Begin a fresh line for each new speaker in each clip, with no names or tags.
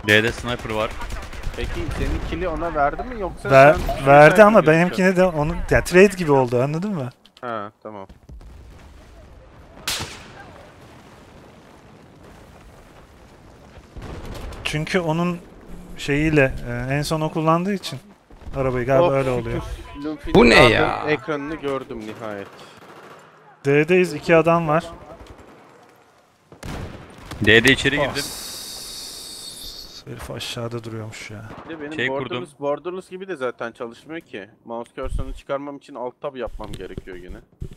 D'de sniper var.
Peki senin kill'i ona verdi mi yoksa
Verdi ama benimkine de onun yani trade gibi oldu, anladın mı?
Ha tamam.
Çünkü onun şeyiyle en son o kullandığı için arabayı galiba öyle oluyor.
Bu ne ya?
Ekranını gördüm nihayet.
D'deyiz, 2 adam var.
D'de içeri girdim.
Herif aşağıda duruyormuş ya.
Bir de benim
Şey kurdum.
Borderless gibi de zaten çalışmıyor ki. Mouse cursor'ını çıkarmam için alt tab yapmam gerekiyor yine.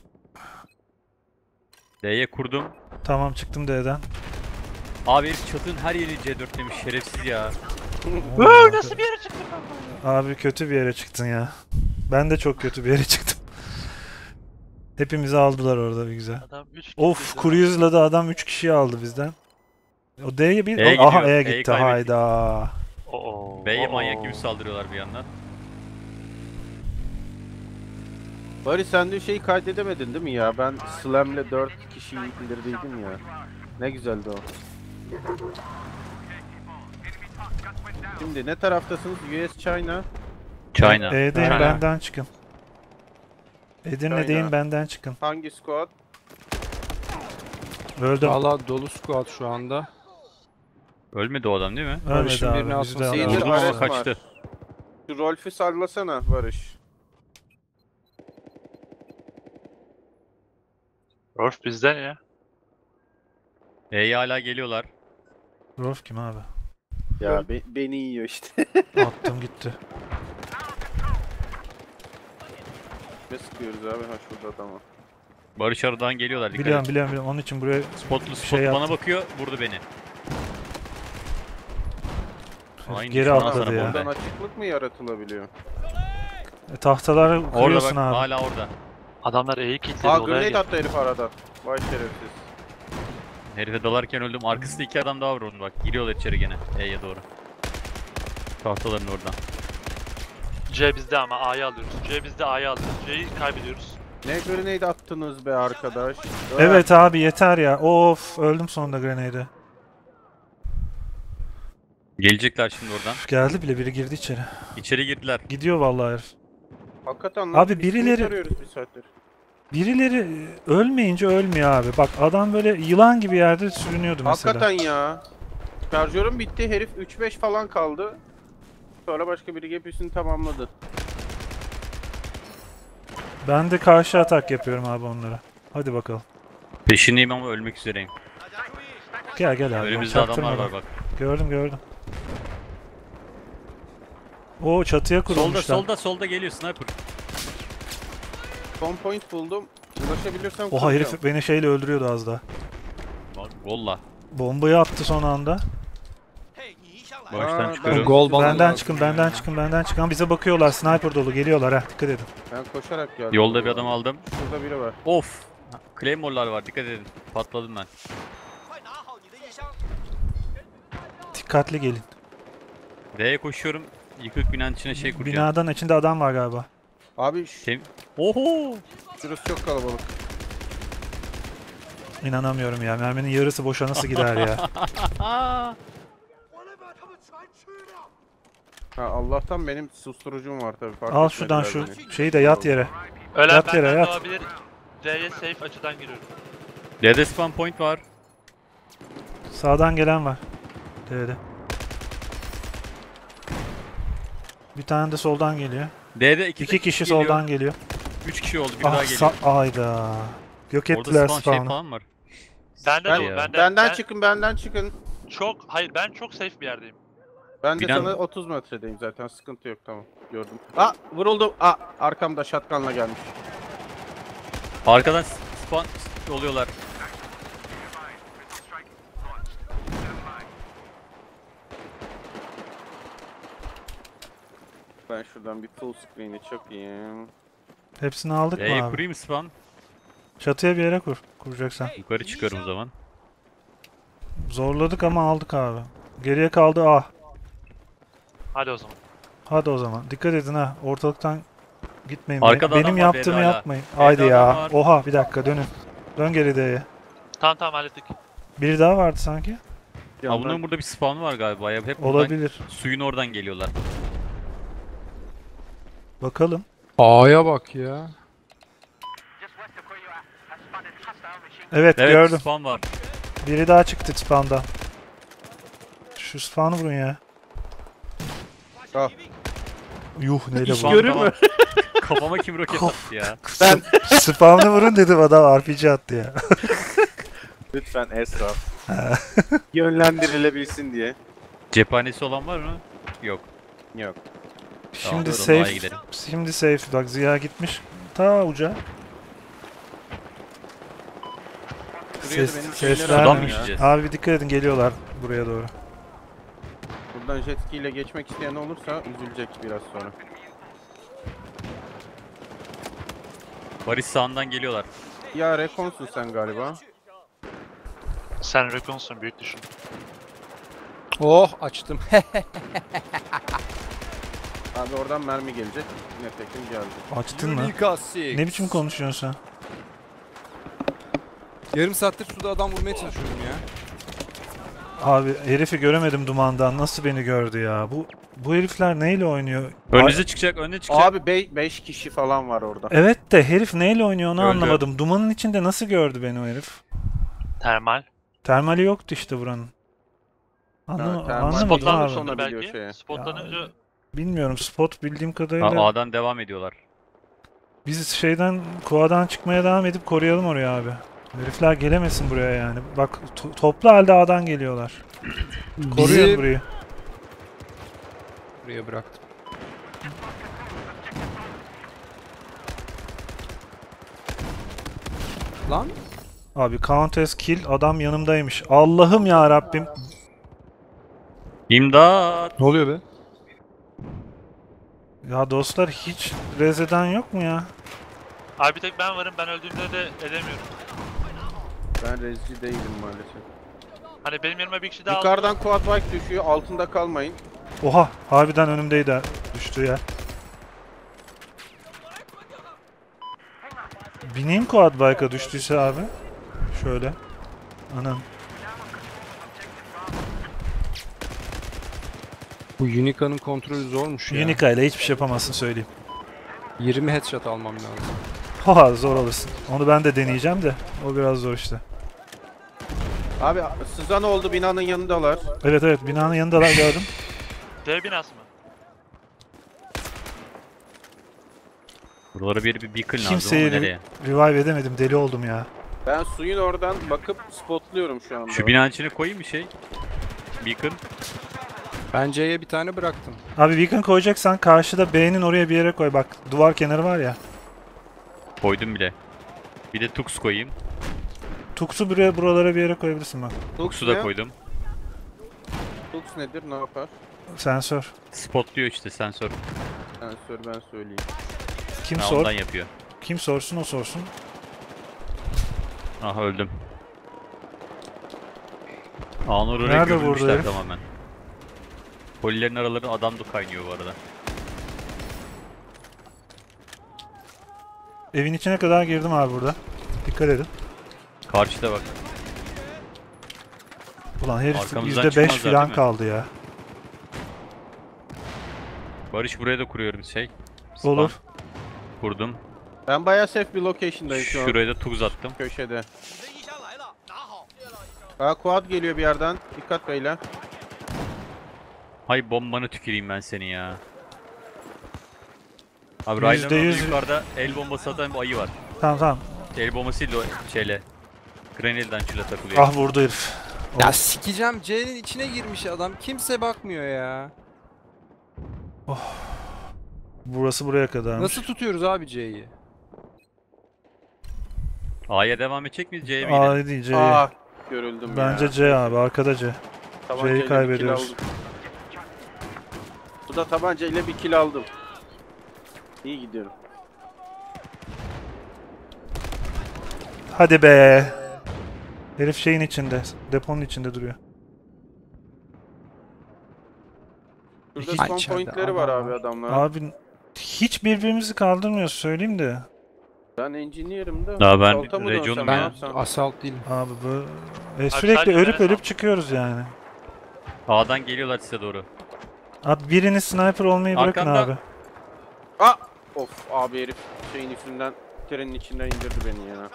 D'ye kurdum.
Tamam, çıktım D'den.
Abi herif çatının her yeri C4 demiş, şerefsiz ya.
Nasıl bir yere çıktın kanka?
Abi kötü bir yere çıktın ya. Ben de çok kötü bir yere çıktım. Hepimizi aldılar orada bir güzel.
Adam 3
Of, Cruise'la da adam 3 kişiyi aldı bizden. O D'ye bir...
E'ye
Aha,
gidiyor.
E'ye
E'yi
gitti,
kaybettik.
hayda.
B'ye manyak gibi saldırıyorlar bir yandan.
Bari sen de şeyi kaydedemedin değil mi ya? Ben Slam'le 4 kişiyi indirdiydim ya. Ne güzeldi o. Şimdi ne taraftasınız? US China.
China.
E'deyim,
China.
benden çıkın. Edirne'deyim,
China.
benden çıkın.
Hangi squad?
Öldüm.
Valla dolu squad şu anda.
Ölmedi o adam değil mi?
Ölmedi
Barış'ın birini
abi, bizi de
asması
aldı.
Şeydir,
Vurdum ama
Ares var.
kaçtı.
Şu Rolf'ü sallasana Barış.
Rolf bizden ya.
E'ye hala geliyorlar.
Rolf kim abi?
Ya beni yiyor işte.
Attım gitti.
Ne sıkıyoruz abi? Ha şurada tamam.
Barış aradan geliyorlar. Dikkat
Biliyorum
et.
biliyorum, onun için buraya
Spotlu
şey
bana
yaptım.
bakıyor, vurdu beni. Aynı
geri
düşman
atladı
sana
ya.
bomba.
Buradan açıklık mı yaratılabiliyor?
Tahtaları
Orada
kuruyorsun
bak,
abi.
hala orada.
Adamlar E'yi kilitledi
Aa
olaya
grenade
gel.
attı herif aradan. Vay şerefsiz.
Herife dalarken öldüm. Arkasında 2 adam daha var onun bak. Giriyorlar içeri gene. E'ye doğru. Tahtaların oradan.
C bizde ama A'yı alıyoruz. C bizde A'yı alıyoruz. C'yi kaybediyoruz.
Ne grenade attınız be arkadaş?
Evet abi, yeter ya. Of, öldüm sonunda grenade'e.
Gelecekler şimdi oradan.
Geldi bile, biri girdi içeri.
İçeri girdiler.
Gidiyor vallahi herif.
Hakikaten
Abi
biz kimi
birileri-
arıyoruz bir saattir.
Birileri ölmeyince ölmüyor abi. Bak adam böyle yılan gibi yerde sürünüyordu mesela.
Hakikaten ya. Şarjörüm bitti. Herif 3-5 falan kaldı. Sonra başka biri hepsini tamamladı.
Ben de karşı atak yapıyorum abi onlara. Hadi bakalım.
Peşindeyim ama ölmek üzereyim.
Gel abi.
Önümüzde adamlar
çaktırmadan.
var bak.
Gördüm. O çatıya kurulmuşlar.
Solda geliyor sniper.
Son point buldum. Ulaşabilirsem
Oha,
kuracağım.
herif beni şeyle öldürüyordu az daha.
Bak valla.
Bombayı attı son anda.
Baştan
Aa,
çıkıyorum.
Gol balı
Benden
lazım
çıkın,
ya.
benden çıkın. Ama bize bakıyorlar, sniper dolu geliyorlar ha, dikkat edin.
Ben koşarak geldim.
Yolda bir adam aldım.
Şurada biri var.
Of. Claymore'lar var, dikkat edin. Patladım ben.
Dikkatli gelin.
D'ye koşuyorum. Yıkık binanın içine şey kuracağım.
Binadan içinde adam var galiba.
Abi
Oho.
şurası çok kalabalık.
İnanamıyorum ya, merminin yarısı boşa nasıl gider ya.
Ha Allah'tan benim susturucum var tabii. Fark
Al şuradan
etmediler
şu
beni.
şeyi de yat yere.
Ölen
Yat yere,
benden
yat.
doğabilir. D'ye safe açıdan giriyorum.
D'de spawn point var.
Sağdan gelen var. D'de. Bir tane de soldan geliyor.
D'de
İki kişi soldan geliyor.
3 kişi oldu, bir daha
Ah,
geliyor.
ayda. Yok
Orada
ettiler
spawn şey
spawn'ı.
falan var.
Bende
Ben-
de
Benden çıkın, benden çıkın.
ben çok safe bir yerdeyim.
Ben de
Binan-
sana 30 metredeyim zaten. Sıkıntı yok, tamam. Gördüm. Vuruldum. Arkamda shotgun'la gelmiş.
Arkadan spawn oluyorlar.
Ben şuradan bir full screen'i çakayım.
Hepsini aldık mı
D'ye
abi?
kurayım spawn.
Çatıya bir yere kur. Kuracaksan.
Yukarı çıkıyorum o zaman.
Zorladık ama aldık abi. Geriye kaldı A.
Hadi o zaman.
Hadi o zaman. Dikkat edin ha. Ortalıktan gitmeyin.
Arkada
Benim
adam var,
yaptığımı
B'de hala.
yapmayın.
B'de
Haydi
adam
ya.
var.
Oha, bir dakika dönün. Dön geri D'ye.
Tamam hallettik.
Biri daha vardı sanki.
Ha bunların burada bir spawn var galiba ya. Hep buradan
Olabilir.
suyun oradan geliyorlar.
Bakalım.
A'ya bak ya.
Evet,
Evet
gördüm.
spawn var.
Biri daha çıktı spawn'dan. Şu spawn'ı vurun ya.
Ah.
Yuh neyle
İş
vurdu?
görür
Tamam.
mü?
Kafama kim roket attı ya?
Ben
Spawn'ı vurun dedim, adam RPG attı ya.
lütfen Esra. Yönlendirilebilsin diye.
Cephanesi olan var mı? Yok.
Yok.
Şimdi
doğru,
safe.
A'ya gidelim.
Şimdi safe. Bak Ziya gitmiş. Ta uca.
Şuraya da benim şeyleri
Sesler
Sudan mı
mi?
düşeceğiz?
Abi bir dikkat edin, geliyorlar buraya doğru.
Buradan jet ski ile geçmek isteyen olursa üzülecek biraz sonra.
Barış sağından geliyorlar.
Ya rekonsun sen galiba.
Sen Recon'sun büyük düşün.
Oh açtım.
Abi oradan mermi gelecek. Nitekim geldi.
Açtın mı? Ne biçim konuşuyorsun sen?
Yarım saattir suda adam vurmaya çalışıyorum ya.
Abi herifi göremedim dumandan. Nasıl beni gördü ya? Bu herifler neyle oynuyor?
Önünüze çıkacak, önüne çıkacak.
Abi 5 kişi falan var orada.
Evet de herif neyle oynuyor onu
Öldü.
anlamadım. Dumanın içinde nasıl gördü beni o herif?
Termal.
Termali yoktu işte buranın.
termal
Anlamadım
spotlandı
abi.
sonra.
Spotlanmışsındır
biliyor
belki.
şeye.
Spotlanınca
Bilmiyorum, spot bildiğim kadarıyla.
A'dan devam ediyorlar.
Biz şeyden, Kua'dan çıkmaya devam edip koruyalım oraya abi. Herifler gelemesin buraya yani. Bak toplu halde A'dan geliyorlar. Koruyun
Bizi
burayı.
buraya bıraktım. Lan
Abi count as kill, adam yanımdaymış. Allah'ım ya Rabbim.
İmdat!
ne oluyor be?
Ya dostlar, hiç rez eden yok mu ya?
abi bir tek ben varım, ben öldüğümde de edemiyorum.
Ben rezci değilim maalesef.
Hani benim yerime bir kişi daha aldı.
Yukarıdan quad bike düşüyor. Altında kalmayın.
Oha, harbiden önümdeydi düştü ya. Bineyim quad bike'a düştüyse abi. Şöyle. Anam.
Bu Unica'nın kontrolü zormuş ya.
Unica ile hiçbir şey yapamazsın söyleyeyim.
20 headshot almam lazım.
Oha, zor alırsın. Onu ben de deneyeceğim de. O biraz zor işte.
Abi sızan oldu, binanın yanındalar.
Evet evet, binanın yanındalar, gördüm.
D binası mı?
Buralara bir beacon lazım
Kimseyi
ama nereye?
revive edemedim, deli oldum ya.
Ben suyun oradan bakıp spotluyorum şu anda.
Şu binanın içine koyayım bir şey. Beacon.
Ben C'ye bir tane bıraktım.
Abi beacon koyacaksan karşıda B'nin oraya bir yere koy, bak duvar kenarı var ya.
Koydum bile. Bir de Tux koyayım.
Tux'u buralara bir yere koyabilirsin bak.
Tux'u da koydum.
Tux nedir, ne yapar?
Sensör.
Spotluyor işte sensör.
Sensör ben söyleyeyim.
Kim
Ha,
sor?
ondan yapıyor.
Kim sorsun o sorsun.
Aha öldüm. Anur oraya
Nerede vurdu
gömülmüşler
herif?
tamamen. Polilerin araları adam da kaynıyor bu arada.
Evin içine kadar girdim abi burada. Dikkat edin.
Karşıda bak.
Ulan herif
Arkamızdan
%5
çıkmazlar
falan
değil mi?
kaldı ya.
Barış buraya da kuruyorum şey. Spawn
Olur.
Kurdum.
Ben bayağı safe bir location'dayım şu an.
Şuraya da tuz attım.
Köşede. Aa, quad geliyor bir yerden. Dikkat beyler.
Hay bombanı tüküreyim ben seni ya. Abi
%100
Ryan'ın yukarıda el bombası atan bir ayı var.
Tamam tamam.
El bombası değil de o şeyle. Grenel'den çile takılıyor.
Ah, vurdu herif.
Ya sikeceğim, C'nin içine girmiş adam. Kimse bakmıyor ya.
Burası buraya kadarmış.
Nasıl tutuyoruz abi C'yi?
A'ya devam edecek miyiz C'ye mi gidelim?
A değil C.
Aa, görüldüm ya.
Bence C abi, arkada C.
Tabancayla bir kill
kaybediyoruz.
aldım. Bu da tabancayla bir kill aldım. İyi gidiyorum.
Hadi be. Herif şeyin içinde, deponun içinde duruyor.
Burada
Hiç-
spawn
İçeride
pointleri var
adam
abi
var.
adamlar.
Abi hiç birbirimizi kaldırmıyoruz söyleyeyim de.
Ben engineer'ım da.
Daha ben
Salta mı
region'um
dönsem,
ya.
ne
Ben
yapsam?
assault değilim.
Abi bu
Abi
sürekli
sadece
ölüp
ben-
ölüp çıkıyoruz yani.
A'dan geliyorlar size doğru.
Abi birini sniper olmayı bırakın
Arkanda.
abi.
Of abi herif şeyin üstünden, trenin içinden indirdi beni ya.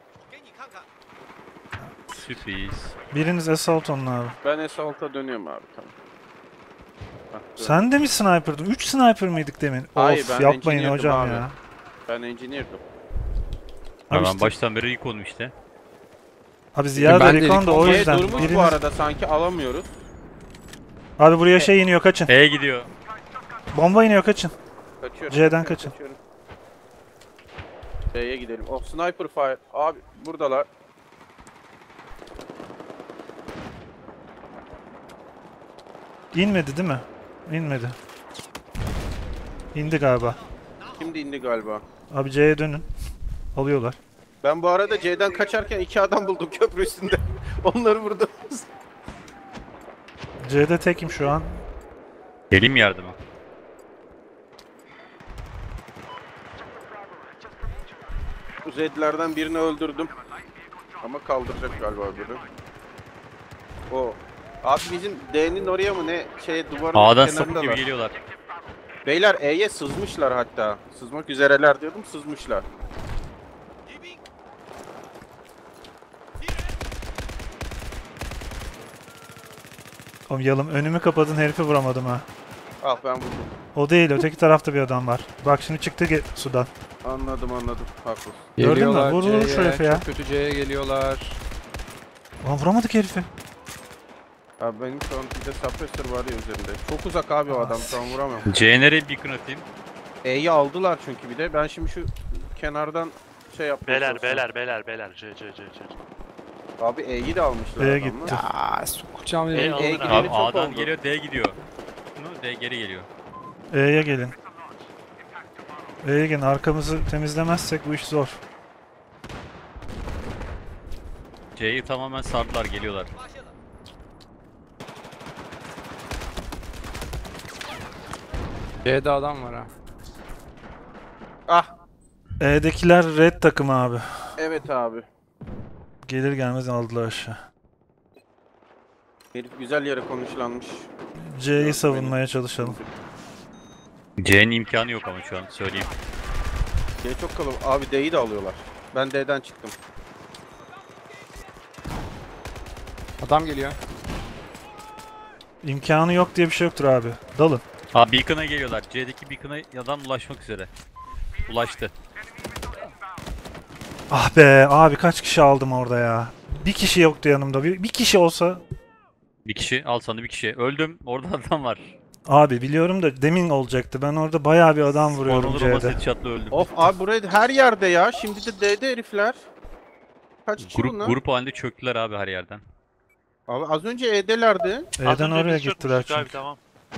Sürpriz.
Biriniz assault olun abi.
Ben S6'a dönüyorum abi, tamam. Hah, dön.
Sen de mi sniper'dın? 3 sniper mıydık demin?
Hayır,
Of
ben
yapmayın
engineer'dım
hocam
abi.
ya.
Ben engineer'dım.
Abi
Ben
işte-
baştan beri ilk oldum işte.
Abi Ziya da
Ben de
recon da o
G
yüzden.
durmuş bu
Biriniz...
arada, sanki alamıyoruz.
Abi buraya şey iniyor kaçın.
E gidiyor.
Bomba iniyor kaçın.
Kaçıyorum.
C'den kaçın.
Kaçıyorum. B'ye gidelim. Oh, sniper fire. Abi buradalar.
İnmedi değil mi? İnmedi. İndi galiba.
Şimdi indi galiba.
Abi C'ye dönün. Alıyorlar.
Ben bu arada C'den kaçarken 2 adam buldum köprü üstünde. Onları vurdum.
C'de tekim şu an.
Geleyim mi yardıma?
Zedlerden birini öldürdüm. Ama kaldıracak galiba biri. O. Abi bizim D'nin oraya mı ne şey, duvarın
A'dan sapık
kenarındalar.
gibi geliyorlar.
Beyler E'ye sızmışlar hatta. Sızmak üzereler diyordum, sızmışlar.
Oğlum yalım önümü kapadın herifi vuramadım ha.
Al ben vurdum.
O değil öteki tarafta bir adam var. Bak şimdi çıktı sudan.
Anladım. Haklısın.
Gördün mü?
Geliyorlar
Vur, vur şu
C'ye,
herifi ya.
Çok kötü C'ye geliyorlar.
Lan vuramadık herifi.
Abi benim şu an bir de suppressor var ya üzerinde. Çok uzak abi o adam, şu an vuramam.
C'ye nereye beacon atayım?
E'yi aldılar çünkü bir de. Ben şimdi şu kenardan şey yapmaya çalışıyorum.
Beyler. C.
Abi E'yi de almışlar
B'ye
adamlar.
gitti.
Ya sokacağım
E
ya.
alın
gideli
abi.
Abi
çok
A'dan
oldu.
geliyor, D gidiyor. D geri geliyor.
E'ye gelin. E'ye gelin. Arkamızı temizlemezsek bu iş zor.
C'yi tamamen sardılar, geliyorlar.
C'de adam var ha.
Ah,
E'dekiler red takım abi.
evet abi.
Gelir gelmez aldılar aşağı.
Herif güzel yere konuşlanmış.
C'yi savunmaya çalışalım.
C'nin imkanı yok ama şu an söyleyeyim.
C çok kalabalık. Abi D'yi de alıyorlar. Ben D'den çıktım.
Adam geliyor.
İmkanı yok diye bir şey yoktur abi. Dalın.
Ha beacon'a geliyorlar. C'deki beacon'a adam ulaşmak üzere. Ulaştı.
Ah be abi kaç kişi aldım orada ya. Bir kişi yoktu yanımda. Bir kişi olsa.
Bir kişi, al sana bir kişi. Öldüm. Orada adam var.
Abi biliyorum da demin olacaktı. Ben orada bayağı bir adam vuruyorum
Onur'un
C'de.
basit shot'la öldüm.
Of abi buraya her yerde ya. Şimdi de D'de herifler. Kaç kişi bunlar?
Grup halinde çöktüler abi her yerden.
Abi az önce E'delerdi.
Az
E'den
önce
oraya
biz
gittiler
çökmüştük abi,
çünkü.
tamam.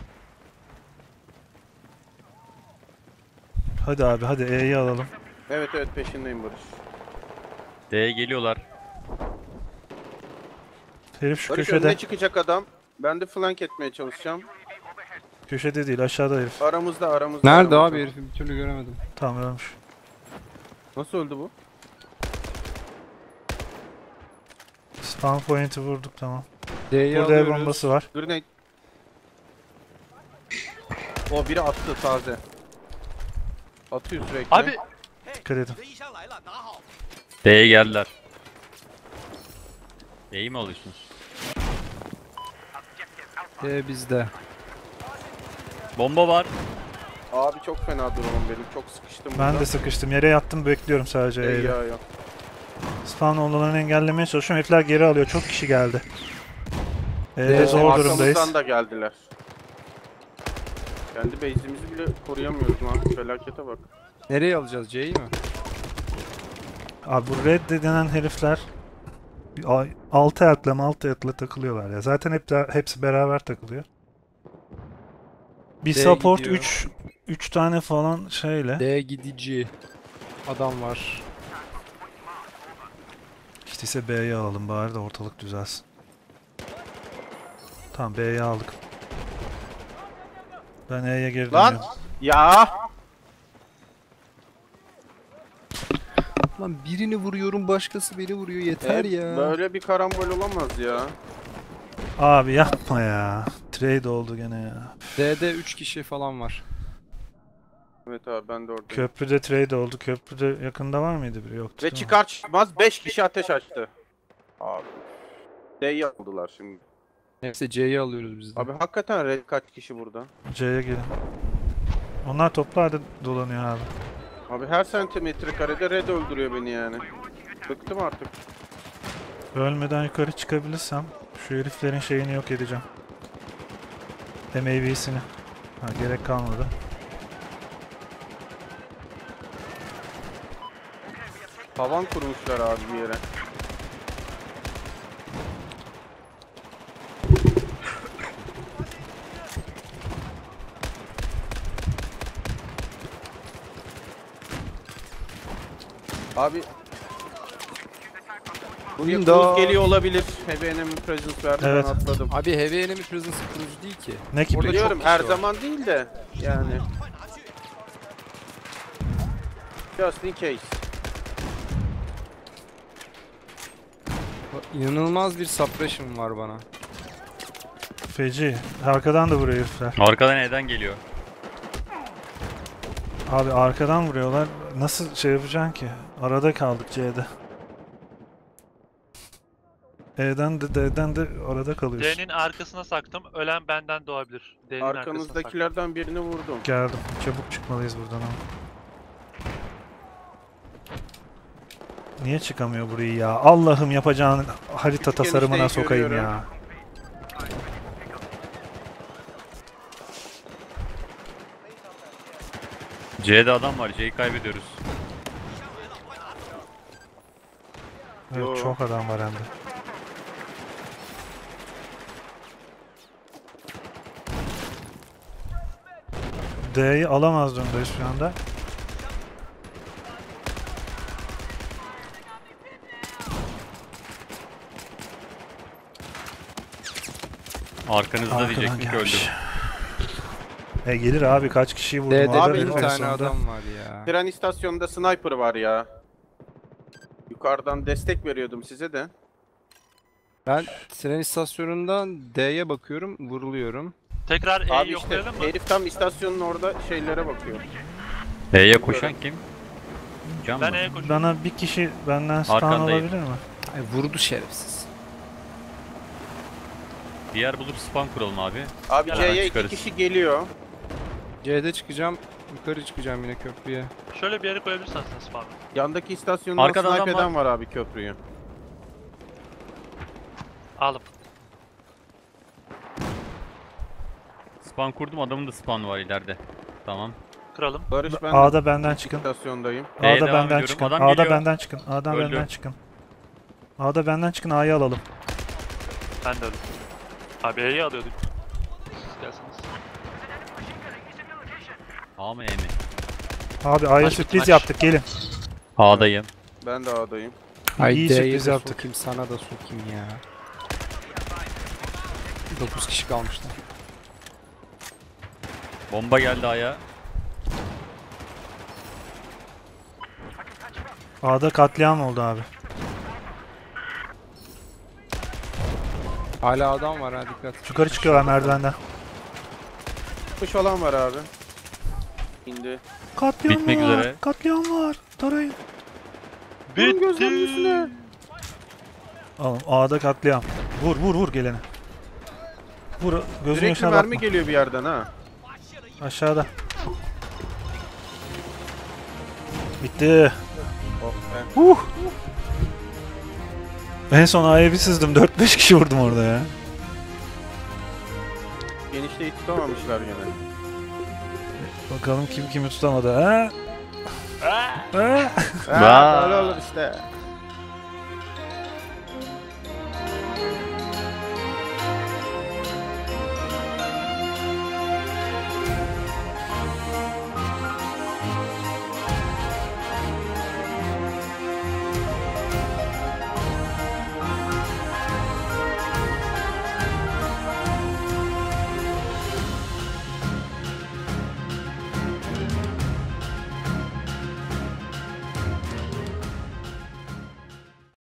Hadi abi hadi E'yi alalım.
Evet peşindeyim Barış.
D'ye geliyorlar.
Herif şu
Barış
köşede.
önüne çıkacak adam. Ben de flank etmeye çalışacağım.
Köşede değil aşağıda herif.
Aramızda.
Nerede
aramızda.
abi herifi bir türlü göremedim.
Tamam ölmüş.
Nasıl öldü bu?
Spawn point'i vurduk tamam.
D'yi
Burada el
alıyoruz.
bombası var.
Grenade. O biri attı taze. Atıyor sürekli.
Abi
Dikkat edin.
D'ye geldiler. D'yi mi alıyorsunuz?
D bizde.
Bomba var.
Abi çok fena durumum benim. Çok sıkıştım
Ben
burada.
de sıkıştım. Yere yattım bekliyorum sadece
Ey
E'yle.
ya.
Spawn olmalarını engellemeye çalışıyorum. Herifler geri alıyor. Çok kişi geldi. E'de
Evet,
zor durumdayız.
Arkamızdan da geldiler. Kendi base'imizi bile koruyamıyoruz lan. Felakete bak.
Nereye alacağız C'yi mi?
Abi bu red denen herifler 6 etle takılıyorlar ya. Zaten hepsi beraber takılıyor. Bir
D
support
gidiyor.
3 tane falan şeyle.
D gidici. Adam var.
İşte ise B'yi alalım bari de ortalık düzelsin. Tamam B'yi aldık. Ben E'ye geri
Lan!
dönüyorum.
Ya!
Lan birini vuruyorum başkası beni vuruyor yeter ya.
Böyle bir karambol olamaz ya.
Abi yapma ya. Trade oldu gene ya.
D'de 3 kişi falan var.
Evet abi ben de oradayım.
Köprüde trade oldu. Köprüde yakında var mıydı biri? Yoktu.
Ve
değil mi?
çıkar çıkmaz 5 kişi ateş açtı. Abi. D'yi aldılar şimdi.
Neyse C'yi alıyoruz biz de.
Abi hakikaten red kaç kişi burada?
C'ye gelin. Onlar toplu halde dolanıyor abi.
Abi her santimetre karede red öldürüyor beni yani. Bıktım artık.
Ölmeden yukarı çıkabilirsem şu heriflerin şeyini yok edeceğim. MAV'sini. Ha, gerek kalmadı.
Havan kurmuşlar abi bir yere. Abi buraya
Windows.
cruise geliyor olabilir. Heavy enemy presence verdi
Evet.
ben atladım.
Abi Heavy Enemy Presence kurucu değil ki.
Ne gibi?
Orada
Biliyorum
çok
her
kişi var.
zaman değil de yani. Just in case.
İnanılmaz bir suppression var bana.
Feci. Arkadan da vuruyor herifler.
Arkadan neden geliyor?
Abi arkadan vuruyorlar. Nasıl şey yapacaksın ki? Arada kaldık C'de. E'den de D'den de arada kalıyorsun.
D'nin arkasına saktım. Ölen benden doğabilir. D'nin arkasına saktım.
Arkanızdakilerden birini vurdum.
Geldim. Çabuk çıkmalıyız buradan ama. Niye çıkamıyor burayı ya? Allah'ım yapacağın harita
Küçük
tasarımına
enişteyi
sokayım
görüyorum.
ya.
C'de adam var. C'yi kaybediyoruz.
Evet,
Yo.
çok adam var hem de. D'yi alamaz durumdayız şu anda.
Arkanızda
Arkadan
diyecektik
gelmiş.
öldüm.
Gelir abi, kaç kişiyi vurdum.
D'de
orada
Abi,
bir
en
tane
sonunda.
adam var ya.
Tren istasyonunda sniper var ya. Yukarıdan destek veriyordum size de.
Ben tren istasyonundan D'ye bakıyorum, vuruluyorum.
Tekrar E'yi
Abi işte
yoklayalım mı?
herif tam istasyonun orada şeylere bakıyor.
E'ye koşan kim? Can
Ben
mı?
E'ye koşuyorum.
Bana bir kişi benden spawn
Arkandayım.
olabilir mi?
Ay, vurdu şerefsiz.
Bir yer bulup spawn kuralım abi.
Abi
Hemen
C'ye iki
çıkarız.
kişi geliyor.
C'de çıkacağım, yukarı çıkacağım yine köprüye.
Şöyle bir yere koyabilirsen sen spawn'ı.
Yandaki istasyondan
Arkadan
snipe
adam
eden var abi köprüyü.
Alım.
Spawn kurdum, adamın da spawn'ı var ileride. Tamam.
Kıralım.
Barış ben de
A'da benden çıkın.
istasyondayım.
B'ye
A'da
devam
benden
ediyorum.
çıkın.
Adam
A'da
geliyor.
benden çıkın. A'dan
Öldü.
benden çıkın. A'da benden çıkın, A'yı alalım.
Ben de öldüm. Abi E'yi alıyorduk. Siz gelseniz.
A mı E mi?
Abi A'ya
Maç
sürpriz
bitti, maç.
yaptık, gelin.
A'dayım.
Ben de A'dayım.
Ay
İyi
D'ye
sürpriz
de
yaptık.
sokayım, sana da sokayım ya. 9 kişi kalmışlar.
Bomba geldi A'ya.
A'da katliam oldu abi.
Hala adam var ha, dikkat.
Yukarı çıkıyorlar merdivenden.
Kuş olan var abi. İndi.
Katliam
Bitmek
var.
üzere.
Katliam var. Tarayın.
Vurun gözlerinin üstüne.
Oğlum A'da katliam. Vur vur vur gelene. Vur, gözün
Sürekli
yaşına
mermi
bakma.
geliyor bir yerden ha.
Aşağıda. Bitti.
Oh be.
En son A'ya bir sızdım. 4-5 kişi vurdum orada ya.
Genişliği tutamamışlar gene.
Bakalım kim kimi tutamadı. Ha? Ha?
Ha, böyle olur işte.